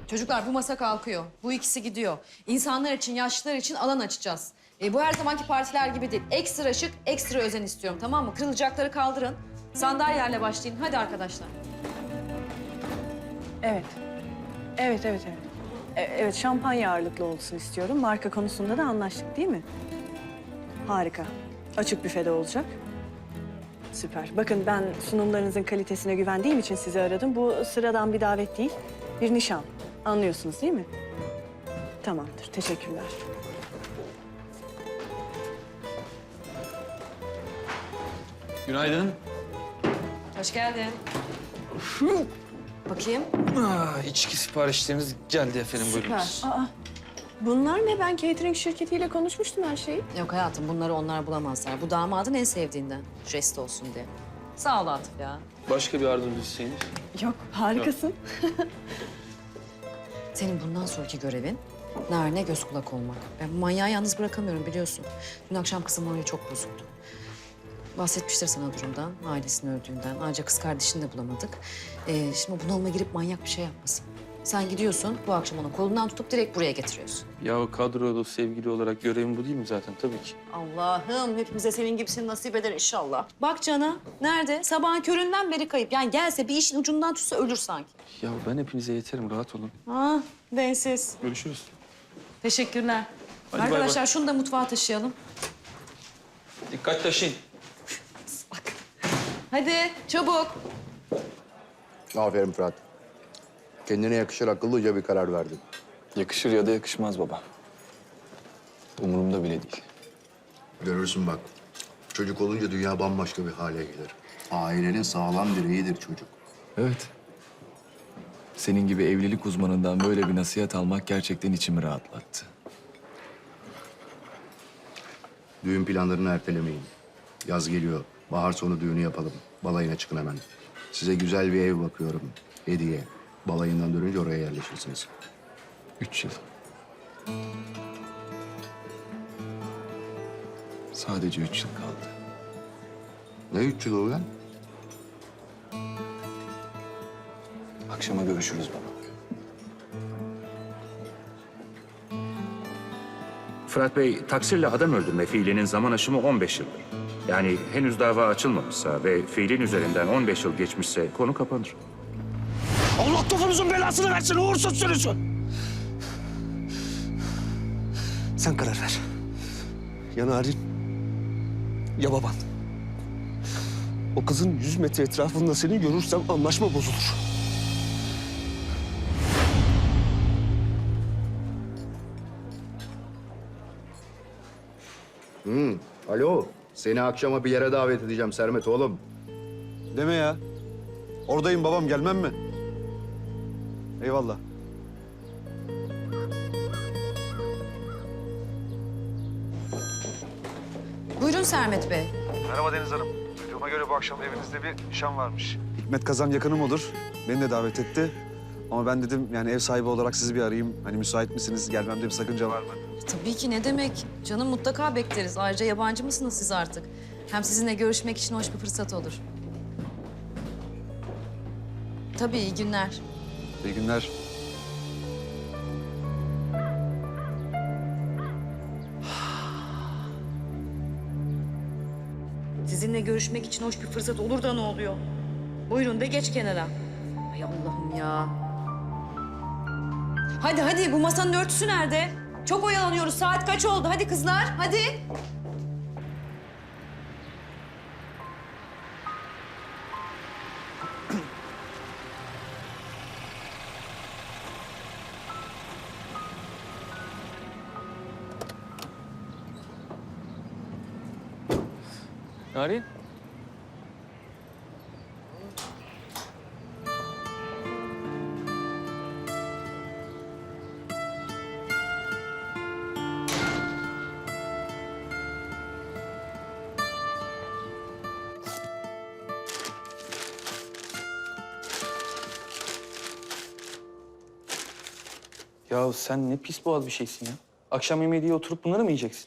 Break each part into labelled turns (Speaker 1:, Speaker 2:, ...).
Speaker 1: Çocuklar bu masa kalkıyor. Bu ikisi gidiyor. İnsanlar için, yaşlılar için alan açacağız. Bu her zamanki partiler gibi değil. Ekstra şık, ekstra özen istiyorum, tamam mı? Kırılacakları kaldırın. Sandalyelerle başlayın. Hadi arkadaşlar.
Speaker 2: Evet. Evet. Evet, şampanya ağırlıklı olsun istiyorum. Marka konusunda da anlaştık değil mi? Harika. Açık büfede olacak. Süper. Bakın ben sunumlarınızın kalitesine güvendiğim için sizi aradım. Bu sıradan bir davet değil, bir nişan. Anlıyorsunuz değil mi? Tamamdır, teşekkürler.
Speaker 3: Günaydın.
Speaker 1: Hoş geldin. Bakayım.
Speaker 3: İçki siparişleriniz geldi efendim. Buyurunuz.
Speaker 2: Süper. Bunlar ne? Ben catering şirketiyle konuşmuştum her şeyi.
Speaker 1: Yok hayatım, bunları onlar bulamazlar. Bu damadın en sevdiğinden. Jest olsun diye. Sağ ol Atıf ya.
Speaker 3: Başka bir yardımcı isteğiniz?
Speaker 2: Yok, harikasın.
Speaker 1: Senin bundan sonraki görevin Narin'e göz kulak olmak. Ben bu manyağı yalnız bırakamıyorum biliyorsun. Dün akşam kızım morali çok bozuldu. Bahsetmiştir sana durumdan, ailesinin öldüğünden. Ayrıca kız kardeşini de bulamadık. Şimdi bunalıma girip manyak bir şey yapmasın. Sen gidiyorsun, bu akşam onu kolundan tutup direkt buraya getiriyorsun.
Speaker 3: Ya kadrolu sevgili olarak görevim bu değil mi zaten? Tabii ki.
Speaker 1: Allah'ım hepimize senin gibisini nasip eder inşallah. Bak Can'a, nerede? Sabahın köründen beri kayıp. Yani gelse bir işin ucundan tutsa ölür sanki.
Speaker 3: Ya ben hepinize yeterim, rahat olun.
Speaker 1: Ah, densiz.
Speaker 3: Görüşürüz.
Speaker 1: Teşekkürler.
Speaker 3: Hadi bay
Speaker 1: Arkadaşlar
Speaker 3: bay.
Speaker 1: şunu da mutfağa taşıyalım.
Speaker 3: Dikkat taşıyın.
Speaker 1: Hadi çabuk.
Speaker 4: Aferin Fırat. Kendine yakışır akıllıca bir karar verdin.
Speaker 5: Yakışır ya da yakışmaz baba. Umurumda bile değil.
Speaker 4: Görürsün bak. Çocuk olunca dünya bambaşka bir hale gelir. Ailenin sağlam direğidir çocuk.
Speaker 5: Evet. Senin gibi evlilik uzmanından böyle bir nasihat almak gerçekten içimi rahatlattı.
Speaker 4: Düğün planlarını ertelemeyin. Yaz geliyor. Bahar sonu düğünü yapalım. Balayına çıkın hemen. Size güzel bir ev bakıyorum. Hediye. Balayından dönünce oraya yerleşirsiniz.
Speaker 5: 3 yıl. Sadece 3 yıl kaldı.
Speaker 4: Ne 3 yıl o lan?
Speaker 5: Akşama görüşürüz baba.
Speaker 6: Fırat Bey, taksirle adam öldürme fiilinin zaman aşımı 15 yıldır. Yani henüz dava açılmamışsa ve fiilin üzerinden 15 yıl geçmişse konu kapanır.
Speaker 7: Allah topunuzun belasını versin uğursuz sürüsü. Sen karar ver. Ya Narin ya baban. O kızın 100 metre etrafında seni görürsem anlaşma bozulur.
Speaker 4: Alo. Seni akşama bir yere davet edeceğim Sermet oğlum.
Speaker 8: Deme ya. Oradayım babam, gelmem mi? Eyvallah.
Speaker 1: Buyurun Sermet Bey.
Speaker 8: Merhaba Deniz Hanım. Duyduğuma göre bu akşam evinizde bir nişan varmış. Hikmet Kazan yakınım olur. Beni de davet etti. Ama ben dedim yani ev sahibi olarak sizi bir arayayım. Hani müsait misiniz? Gelmemde bir sakınca var mı?
Speaker 1: Tabii ki ne demek. Canım mutlaka bekleriz. Ayrıca yabancı mısınız siz artık? Hem sizinle görüşmek için hoş bir fırsat olur. Tabii iyi günler.
Speaker 8: İyi günler.
Speaker 1: Sizinle görüşmek için hoş bir fırsat olur da ne oluyor? Buyurun de geç kenara. Ay Allah'ım ya. Hadi bu masanın örtüsü nerede? Çok oyalanıyoruz. Saat kaç oldu? Hadi kızlar hadi.
Speaker 3: Narin? Ya sen ne pis boğaz bir şeysin ya. Akşam yemeği diye oturup bunları mı yiyeceksin?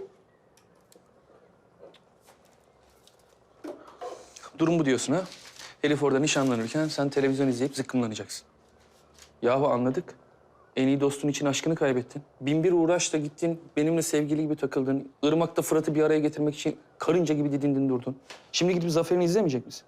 Speaker 3: Durum bu diyorsun ha? Elif orada nişanlanırken sen televizyon izleyip zıkkımlanacaksın. Yahu anladık. En iyi dostun için aşkını kaybettin. Bin bir uğraşla gittin, benimle sevgili gibi takıldın. Irmak'ta Fırat'ı bir araya getirmek için karınca gibi didindin durdun. Şimdi gidip Zafer'ini izlemeyecek misin?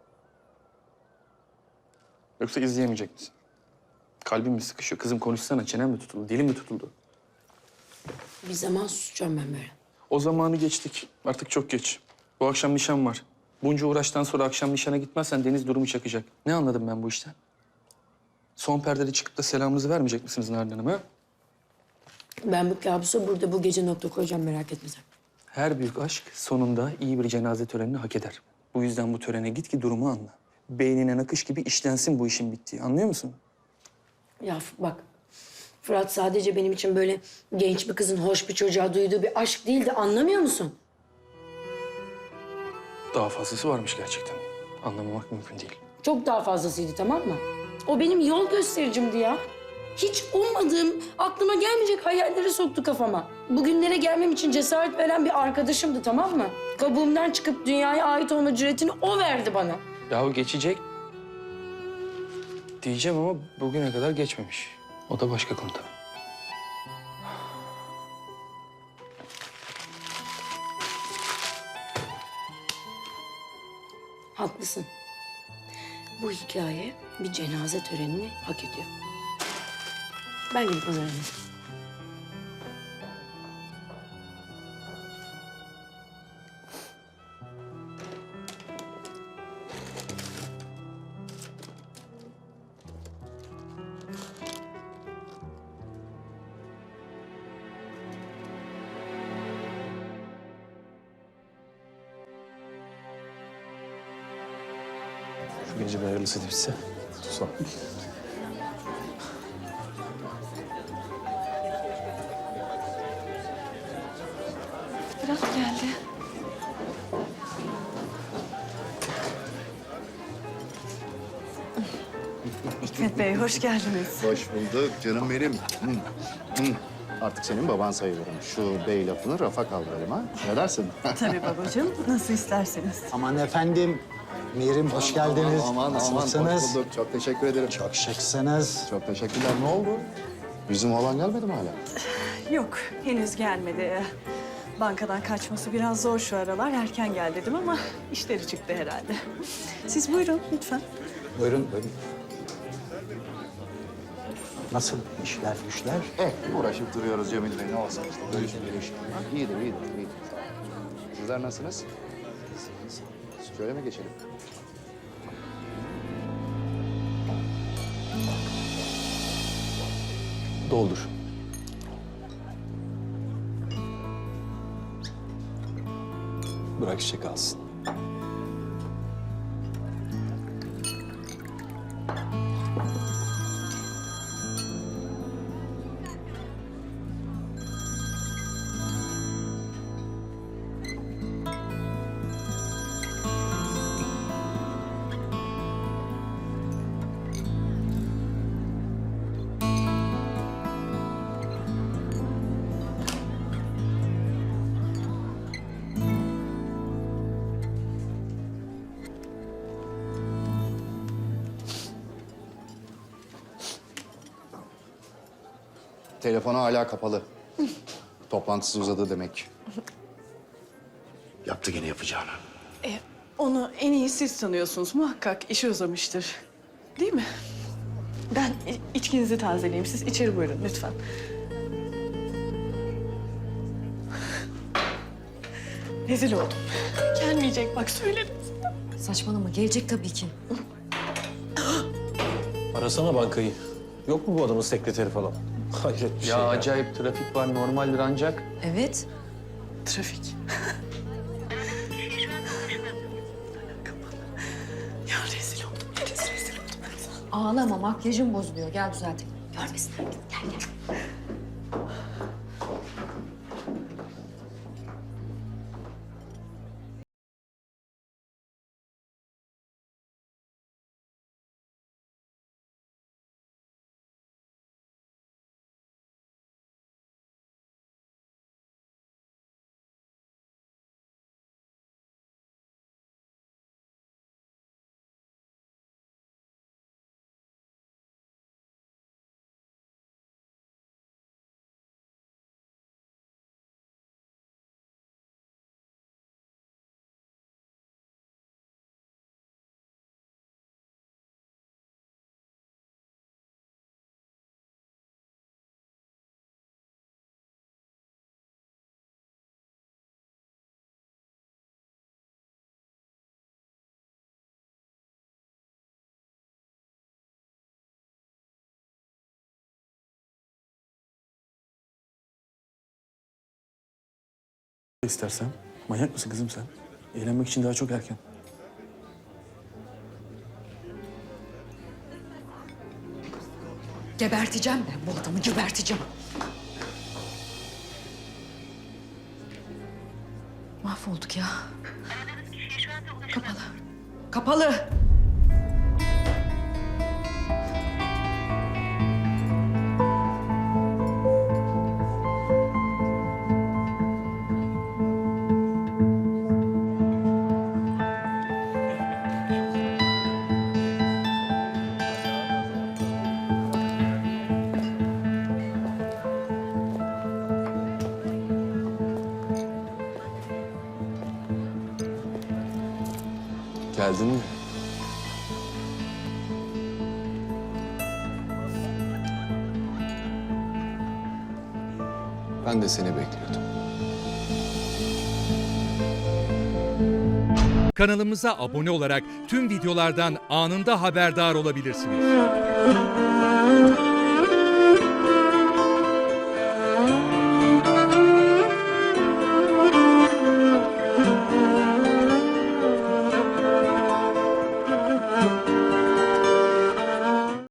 Speaker 3: Yoksa izleyemeyecek misin? Kalbim mi sıkışıyor? Kızım konuşsana, çenem mi tutuldu, dilim mi tutuldu?
Speaker 9: Bir zaman susacağım ben böyle.
Speaker 3: O zamanı geçtik. Artık çok geç. Bu akşam nişan var. Bunca uğraştan sonra akşam nişana gitmezsen Deniz durumu çakacak. Ne anladım ben bu işten? Son perdede çıkıp da selamınızı vermeyecek misiniz Narin Hanım ha?
Speaker 9: Ben bu kabusa burada bu gece nokta koyacağım, merak etme sen.
Speaker 3: Her büyük aşk sonunda iyi bir cenaze törenini hak eder. Bu yüzden bu törene git ki durumu anla. Beynine nakış gibi işlensin bu işin bittiği. Anlıyor musun?
Speaker 9: Ya bak, Fırat sadece benim için böyle genç bir kızın hoş bir çocuğa duyduğu bir aşk değildi, anlamıyor musun?
Speaker 3: Daha fazlası varmış gerçekten. Anlamamak mümkün değil.
Speaker 9: Çok daha fazlasıydı, tamam mı? O benim yol göstericimdi ya. Hiç ummadığım, aklıma gelmeyecek hayalleri soktu kafama. Bugünlere gelmem için cesaret veren bir arkadaşımdı, tamam mı? Kabuğumdan çıkıp dünyaya ait olma cüretini o verdi bana.
Speaker 3: Yahu geçecek diyeceğim ama bugüne kadar geçmemiş. O da başka konu tabii.
Speaker 9: Haklısın. Bu hikaye bir cenaze törenini hak ediyor. Ben gidip hazırlanayım.
Speaker 7: Şu gece bir hayırlısı değilse. Sağ ol.
Speaker 2: Fırat geldi. Hikmet Bey, hoş geldiniz.
Speaker 4: Hoş bulduk canım benim. Artık senin baban sayılırım. Şu bey lafını rafa kaldıralım ha. Ne dersin?
Speaker 2: Tabii babacığım, nasıl isterseniz.
Speaker 10: Aman efendim, Mirim hoş geldiniz. Nasılsınız?
Speaker 4: Hoş bulduk. Çok teşekkür ederim.
Speaker 10: Çok şıksınız.
Speaker 4: Çok teşekkürler. Ne oldu? Bizim oğlan gelmedi mi hala?
Speaker 2: Yok, henüz gelmedi. Bankadan kaçması biraz zor şu aralar. Erken gel dedim ama işleri çıktı herhalde. Siz buyurun lütfen.
Speaker 10: Buyurun, buyurun. Nasıl işler, güçler?
Speaker 4: Uğraşıp duruyoruz Cemil Bey. Ne olsun işte. Görüşüm görüşüm. İyidir, iyidir, iyidir. Sağ olun. Sizler nasılsınız? Şöyle mi geçelim?
Speaker 7: Doldur. Bırak çiçek alsın.
Speaker 4: Telefonu hala kapalı. Toplantısı uzadı demek. Yaptı gene yapacağını.
Speaker 2: Onu en iyi siz tanıyorsunuz. Muhakkak işi uzamıştır. Değil mi? Ben içkinizi tazeleyeyim. Siz içeri buyurun lütfen. Rezil oldum. Gelmeyecek bak söyledim.
Speaker 1: Saçmalama, gelecek tabii ki.
Speaker 7: Arasana bankayı. Yok mu bu adamın sekreteri falan? Hayret bir şey ya.
Speaker 3: Acayip trafik var normaldir ancak.
Speaker 1: Evet.
Speaker 2: Trafik. Ya rezil oldum. Rezil oldum.
Speaker 1: Ağlama, makyajın bozuluyor. Gel düzeltelim. Görmesinler. Gel gel.
Speaker 3: İstersen. Manyak mısın kızım sen? Eğlenmek için daha çok erken.
Speaker 1: Geberteceğim ben bu adamı, geberteceğim. Mahvolduk ya. Kapalı. Kapalı.
Speaker 5: Geldin mi? Ben de seni bekliyordum.
Speaker 11: Kanalımıza abone olarak tüm videolardan anında haberdar olabilirsiniz.